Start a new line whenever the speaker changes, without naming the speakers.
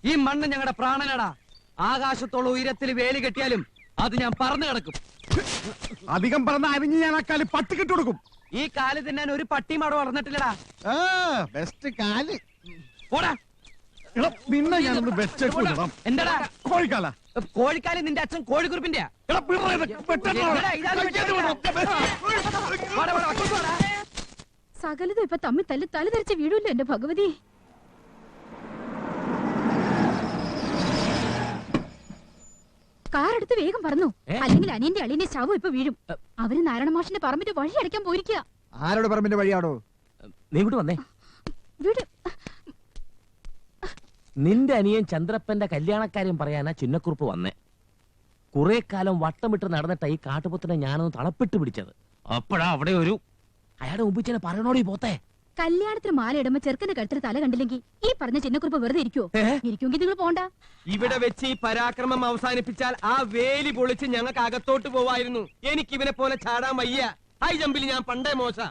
ഈ മണ്ണ് ഞങ്ങളുടെ പ്രാണനടാ. ആകാശത്തോളം ഉയരത്തിൽ വേലി കെട്ടിയാലും അത് ഞാൻ പറന്നു കിടക്കും.
അധികം പറഞ്ഞ അരിഞ്ഞ് ഞാൻ ആ കാല് പട്ടി കെട്ടുകൊടുക്കും.
ഈ കാല് തിന്നാൻ ഒരു പട്ടിയും അവിടെ വളർന്നിട്ടില്ലടാ.
ബെസ്റ്റ് കാല്.
പോടാ.
നിന്നെ ഞാനൊന്ന് വെച്ചേക്കൂടാ.
എന്താടാ
കോഴിക്കാല?
കോഴിക്കാല് നിന്റെ അച്ഛൻ കോഴിക്കുറിപ്പിന്റെ.
സകലതും ഇപ്പൊ തമ്മിൽ തല്ലി തല ധരിച്ച് വീഴൂല്ലോ എന്റെ ഭഗവതി. കാറെടുത്ത് വേഗം പറഞ്ഞു, അല്ലെങ്കിൽ അനിയന്റെ അളിയന്റെ ശവം ഇപ്പൊ വീഴും. അവര് നാരായണ മാഷിന്റെ പറമ്പിന്റെ വഴി അടയ്ക്കാൻ പോയിരിക്കുക.
ആരോട് പറമ്പിന്റെ വഴിയാണോ?
നീ ഇങ്ങോട്ട് വന്നേ.
വീട്
നിന്റെ അനിയൻ ചന്ദ്രപ്പന്റെ കല്യാണക്കാര്യം പറയാനാ ചിന്നക്കുറുപ്പ് വന്നേ. കുറെ കാലം വട്ടമിട്ട് നടന്നിട്ട ഈ കാട്ടുപൊത്തിനെ ഞാനൊന്ന് തളപ്പിട്ട് പിടിച്ചത്. അപ്പോഴാ അവിടെ ഒരു അയാളുടെ മുമ്പിച്ചനെ പറയണോടി പോത്തേ.
കല്യാണത്തിന് മാല ഇടുമ്പോ ചെറുക്കന്റെ കഴുത്തിൽ തല കണ്ടില്ലെങ്കിൽ ഈ പറഞ്ഞ ചിന്നക്കുറിപ്പ് വെറുതെ ഇരിക്കുവോ? ഇരിക്കുമെങ്കിൽ നിങ്ങൾ പോണ്ട.
ഇവിടെ വെച്ച് ഈ പരാക്രമം അവസാനിപ്പിച്ചാൽ ആ വേലി പൊളിച്ച് ഞങ്ങൾക്ക് അകത്തോട്ട് പോവായിരുന്നു. എനിക്ക് ഇവനെ പോലെ ചാടാൻ വയ്യ. ഹൈ ജമ്പിൽ ഞാൻ പണ്ടേ മോശ.